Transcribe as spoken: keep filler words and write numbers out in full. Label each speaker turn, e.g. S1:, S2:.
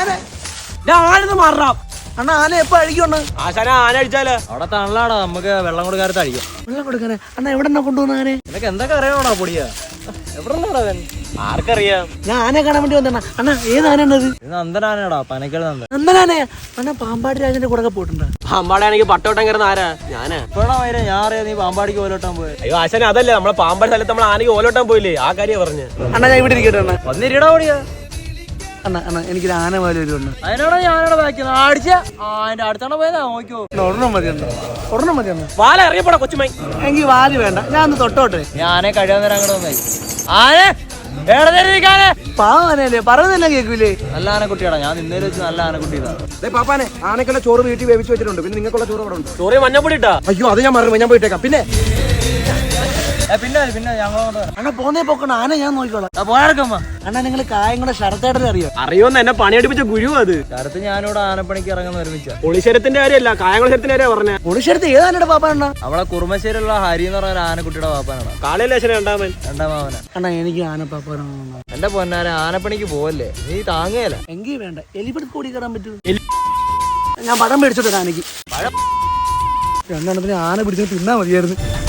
S1: ഞാൻ ആനന്ന് മാറാം.
S2: അണ്ണാ ആന എപ്പോ അഴിക്കുണ്ട്?
S1: ആശാന ആന അടിച്ചാലോ?
S3: അവിടെ തണലാടാ, നമുക്ക് വെള്ളം കൊടുക്കാരത്ത് അടിക്കാം.
S2: വെള്ളം കൊടുക്കാനെ? അണ്ണാ എവിടെ കൊണ്ടുപോകുന്ന ആനെ?
S3: നിനക്ക് എന്തൊക്കെ അറിയണോടാ പൊടിയാ? എവിടെന്നാടാ അവൻ?
S1: ആർക്കറിയാം?
S2: ഞാൻ ആനയെ കാണാൻ വേണ്ടി വന്നാ. അണ്ണാ ഏത് ആനയാണത്?
S3: ഇത് നന്ദനാനടാ, പനക്കൽ നന്ദൻ.
S2: നന്ദനാനയാ? അണ്ണാ പാമ്പാടി രാജന്റെ കൂടെ പോയിട്ടുണ്ടോ?
S1: പാമ്പാടാണെങ്കിൽ പട്ടോട്ടം കയറുന്ന ആരാ? ഞാനാ.
S3: ഇപ്പഴാ വരെ ഞാൻ അറിയാം നീ പാമ്പാടിക്ക് ഓലോട്ടാൻ പോയത്.
S1: അയ്യോ ആശാന അതല്ലേ, നമ്മളെ പാമ്പാടി സ്ഥലത്ത് നമ്മൾ ആനയ്ക്ക് ഓലോട്ടാൻ പോയില്ലേ, ആ കാര്യം പറഞ്ഞു.
S2: അണ്ണാ ഞാൻ ഇവിടെ ഇരിക്കട്ടെ അണ്ണാ.
S3: വന്നിരിടാ പൊടിയാ.
S2: അണ്ണാ അണ്ണാ എനിക്കൊരു ആന പോലെ ഒരു ഉണ്ട്.
S3: അതിനോടാ ഞാനോടെ ബാക്കിയത് അടിച്ച അതിന്റെ അടുത്താണ് പോയതാ. നോക്കിയോ,
S2: ഒരെണ്ണം മതി അണ്ണാ, ഒരെണ്ണം മതി അണ്ണാ.
S1: വാല അറിയപ്പെടാ കൊച്ചുമൈ.
S2: എനിക്ക് വാല് വേണ്ട, ഞാൻ ഒന്ന് തൊട്ടോട്ടെ.
S3: ഞാനെ കഴിയാൻ നേരം അങ്ങോട്ട് വന്നായി. ആനെ ഏടേ
S2: പാവം ആനയല്ലേ, പറയുന്നില്ല കേൾക്കൂലേ?
S3: നല്ല ആനക്കുട്ടിയാടാ, ഞാൻ നിന്നേലും വെച്ച് നല്ല ആനക്കുട്ടിയതാ.
S4: പാപ്പാനെ ആനക്കുള്ള ചോറ് വീട്ടിൽ വേവിച്ച് വെച്ചിട്ടുണ്ട്. പിന്നെ നിങ്ങൾക്കുള്ള ചോറ് അവിടെ ഉണ്ട്.
S1: ചോറി മഞ്ഞപ്പൊടി ഇട്ടാ?
S4: അയ്യോ അത് ഞാൻ മറന്നു, ഞാൻ പോയിട്ടേക്കാം. പിന്നെ
S3: പിന്നെ പിന്നെ ഞങ്ങളോട്
S2: അണ്ണാ പോന്നേ പോക്കണ്ട, ആന ഞാൻ നോക്കിക്കോളാം.
S3: പോയാർക്കമ്മ.
S2: അണ്ണാ നിങ്ങൾ കായങ്ങളുടെ ശരത്തേട്ടനെ അറിയോ?
S1: അറിയോന്ന് എന്നെ പണിയടിപ്പിച്ച ഗുരു അത്.
S3: ശരത്ത് ഞാനിവിടെ ആനപ്പണിക്ക് ഇറങ്ങുന്ന ഒരുമിച്ച.
S1: പൊളിശരത്തിന്റെ കാര്യമല്ല, കായംകുളശരത്തിന്റെ കാര്യ പറഞ്ഞ.
S2: ഒളിശരത്ത് ഏത് ആനയുടെ പാപ്പ അണ്ണാ?
S3: അവളെ കുറുമശ്ശേരിയുള്ള ഹരി എന്ന് പറഞ്ഞ ആനക്കുട്ടിയുടെ പാപ്പാനാണ്.
S1: കാളയിലേശന രണ്ടാമൻ
S3: രണ്ടാം മാവന.
S2: അണ്ണാ എനിക്ക് ആന പാപ്പാനാണ്.
S3: എന്റെ പൊന്നാന ആനപ്പണിക്ക് പോവല്ലേ, നീ താങ്ങേല.
S2: എങ്കിൽ വേണ്ട, എലിപ്പടി കൂടി കയറാൻ പറ്റൂ. ഞാൻ പഴം മേടിച്ചോട്ടെ ആനയ്ക്ക്. രണ്ടെണ്ണത്തിന് ആന പിടിച്ചിട്ട് തിന്നാ മതിയായിരുന്നു.